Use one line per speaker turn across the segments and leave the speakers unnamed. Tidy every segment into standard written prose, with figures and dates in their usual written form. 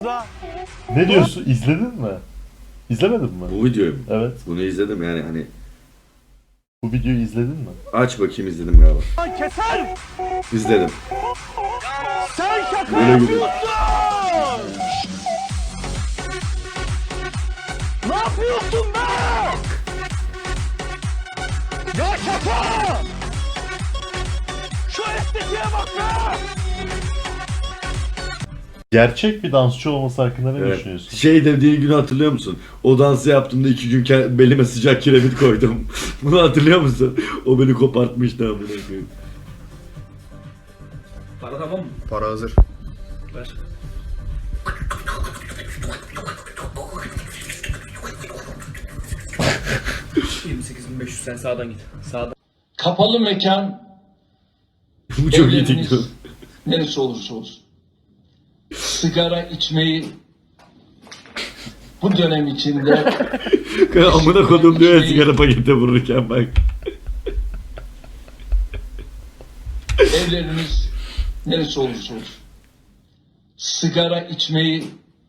Ne diyorsun? İzledin mi? İzlemedin mi?
Bu videoyu mu?
Evet.
Bunu izledim yani hani.
Bu videoyu izledin mi?
Aç bakayım, izledim galiba.
Keser!
İzledim.
Sen şaka
Böyle gibi.
yapıyorsun! Ne yapıyorsun be? Ya şaka! Şu estetiğe bak be!
Gerçek bir dansçı olması hakkında ne
Evet.
düşünüyorsun?
Şey dediğin günü hatırlıyor musun? O dansı yaptığımda 2 gün belime sıcak kiremit koydum. Bunu hatırlıyor musun? O beni kopartmıştı amına koyayım.
Para tamam mı?
Para hazır.
Ver. $28.500 sen sağdan git. Sağdan.
Kapalı mekan
Bu çok iyi
evleriniz
TikTok.
neresi olursa olsun. Sigara içmeyi bu dönem içinde
Amına kodum diyor ya sigara paketi vururken bak.
evleriniz neresi olursa olsun. Sigara içmeyi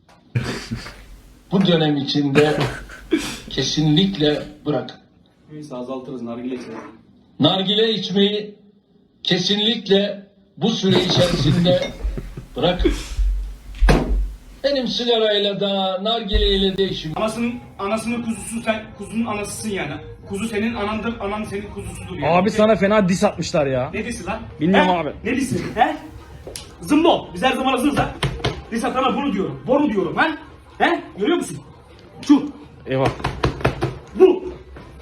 bu dönem içinde kesinlikle bırakın.
Neyse azaltırız nargile içelim.
Nargile içmeyi kesinlikle bu süre içerisinde bırakın. Benim sigarayla da nargileyle de işim.
Anasının kuzusu, sen kuzunun anasısın yani. Kuzu senin anandır, anan senin kuzusudur yani.
Abi sana fena dis atmışlar ya.
Ne disi lan?
Bilmiyorum
He?
abi.
Ne disi? He? Zımbo. Biz her zaman hazırız ha. Dis atana bunu diyorum. Boru diyorum ha. He? Görüyor musun? Şu.
Eyvah.
Bu.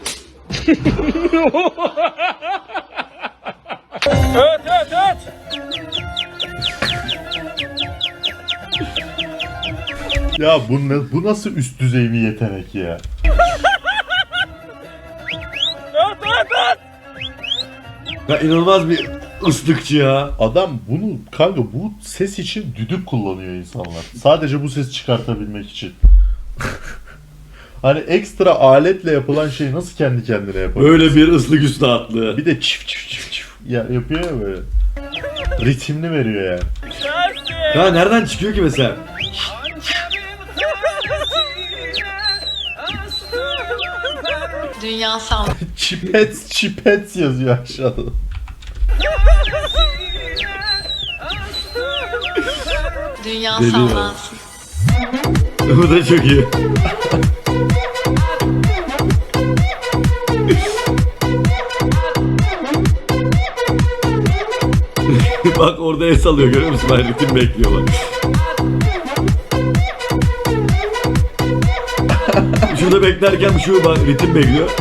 Ya bu nasıl üst düzey bir yetenek ya?
Ya inanılmaz bir ıslıkçı ya.
Adam bunu kanka bu ses için düdük kullanıyor insanlar. Sadece bu ses çıkartabilmek için. Hani ekstra aletle yapılan şey nasıl kendi kendine yapabilir?
Böyle bir ıslık üstadlığı.
Bir de çift çift çift çift ya yapıyor ya böyle. Ritimli veriyor yani.
Ya nereden çıkıyor ki mesela?
Dünyasal.
Çipets yazıyor aşağıda.
Dünya
Deli ya.
sallansın.
Bu da çok iyi. Bak orada el salıyor, görüyor musun? Ben ritim bekliyor bak. Şurada beklerken şu bak ritim bekliyor.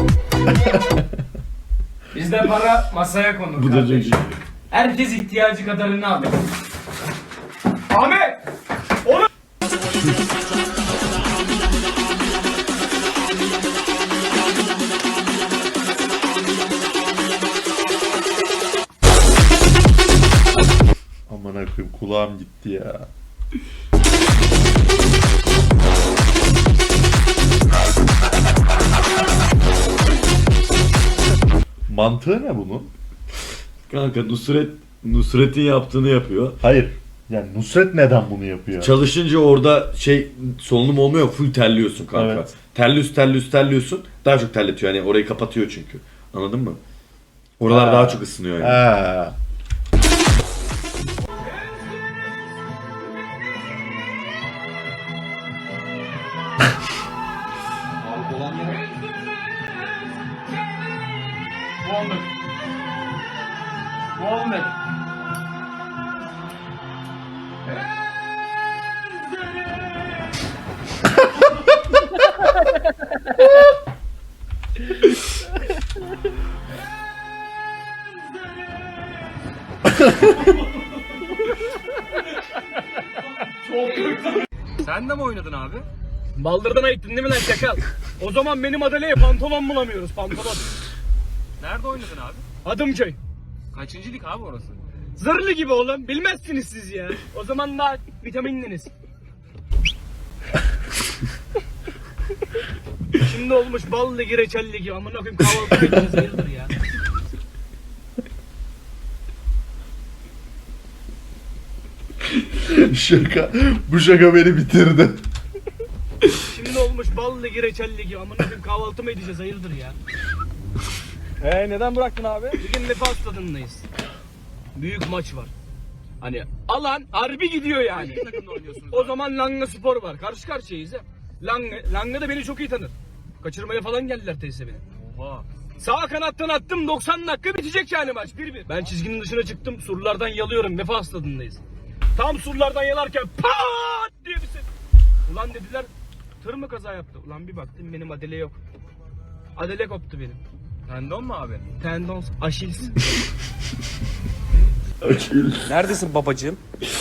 Bizde para masaya konur.
Bu da çok iyi.
Herkes ihtiyacı kadarını alır. Ahmet!
Aman akıyım kulağım gitti ya. Mantığı ne bunun?
Kanka Nusret'in yaptığını yapıyor.
Hayır. Yani Nusret neden bunu yapıyor?
Çalışınca orada solunum olmuyor, full terliyorsun kanka.
Evet.
Terliyorsun. Daha çok terletiyor yani, orayı kapatıyor çünkü. Anladın mı? Oralar
Ha.
daha çok ısınıyor yani.
Ha.
Muhammed.
Sen de mi oynadın abi? Baldırdan ayıttın değil mi lan şakal? O zaman benim adaleye pantolon bulamıyoruz, pantolon. Nerede oynadın abi? Adımköy. Kaçıncı lig abi orası? Zırhlı gibi oğlum, bilmezsiniz siz ya. O zaman daha vitaminliniz. Şimdi olmuş bal ligi, reçel ligi. Amına koyayım kahvaltı ediniz hayırdır ya.
Bu şaka beni bitirdi.
Şimdi olmuş bal ligi, reçel ligi. Amına koyayım kahvaltı mı edeceğiz hayırdır ya? Neden bıraktın abi? Bugün Vefa stadındayız. Büyük maç var. Hani alan harbi gidiyor yani. Takımda oynuyorsunuz. O zaman Langa Spor var. Karşı karşıyayız ya. Langa da beni çok iyi tanır. Kaçırmaya falan geldiler tesise beni. Oha. Sağ kanattan attım 90 dakika bitecek yani maç 1-1. Ben çizginin dışına çıktım surlardan yalıyorum Vefa stadındayız. Tam surlardan yalarken pat diye bir ses. Ulan dediler tır mı kaza yaptı? Ulan bir baktım benim adele yok. Adele koptu benim. Tendon mu abi? Tendon, Aşils.
Neredesin babacığım?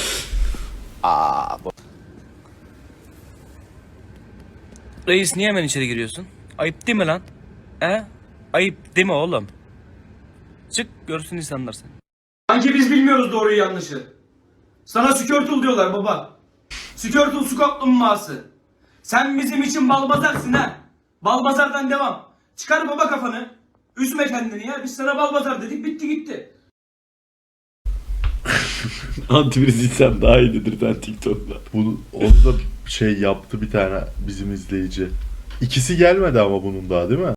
Reis niye hemen içeri giriyorsun? Ayıp değil mi lan? Ayıp değil mi oğlum? Çık görsün insanlar seni.
Sanki biz bilmiyoruz doğruyu yanlışı. Sana Skirtle diyorlar baba. Skirtle su kaplumbağası. Sen bizim için balbazarsın ha. Balbazardan devam. Çıkar baba kafanı. Üzme kendini ya. Biz sana balbazar dedik bitti gitti.
Antivirüs içsem daha iyidir sen TikTok'la.
Onu da yaptı bir tane bizim izleyici. İkisi gelmedi ama bunun daha değil mi?